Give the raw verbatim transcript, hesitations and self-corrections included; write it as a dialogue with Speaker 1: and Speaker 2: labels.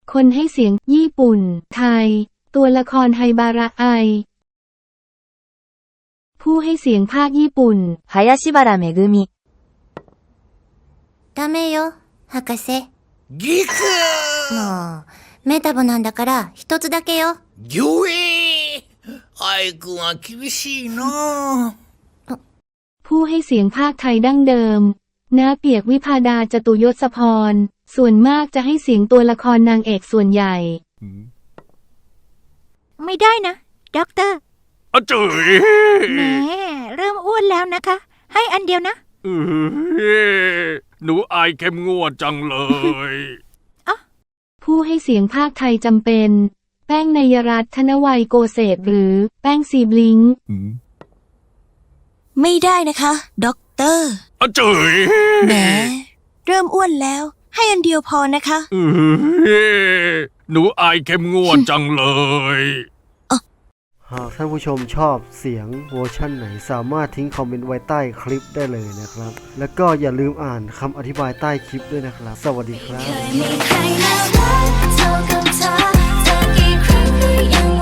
Speaker 1: คนให้เสียงญี่ปุ่นไทยตัวละครไฮบาระไอผู้ให้เสียงภาคญี่ปุ่น
Speaker 2: 林原めぐみ
Speaker 3: ダメよ、博士。
Speaker 4: ギク
Speaker 3: もう、メタボなんだから一つだけよ。
Speaker 4: ギョエーアイくんは厳しいな
Speaker 1: ผู้ให้เสียงภาคไทยดั้งเดิมณเปียกวิภาดาจตุยศพรส่วนมากจะให้เสียงตัวละครนางเอกส่วนใหญ่
Speaker 5: ไม่ได้นะด็อกเตอร์
Speaker 6: อาจ๋ย
Speaker 5: แหมเริ่มอ้วนแล้วนะคะให้อันเดียวนะ
Speaker 6: เอ้ยหนูอายเข้มงวดจังเลย
Speaker 1: ผู้ให้เสียงภาคไทยจำเป็นแป้งนยรัตน์ธนวัยโกเศษหรือแป้งซีบลิงค์
Speaker 2: ไม่ได้นะคะด็อกเตอร์
Speaker 6: อาจ๋ย
Speaker 2: แหมเริ่มอ้วนแล้วให้อันเดียวพอนะคะ
Speaker 6: เอ้ยหนูอายเข้มงวดจังเลย
Speaker 7: หากท่านผู้ชมชอบเสียงเวอร์ชั่นไหนสามารถทิ้งคอมเมนต์ไว้ใต้คลิปได้เลยนะครับแล้วก็อย่าลืมอ่านคำอธิบายใต้คลิปด้วยนะครับสวัสดีครับ
Speaker 3: เคยมีใครน่ารักเท่ากับเธอเธอกี่ครั้งที่ยัง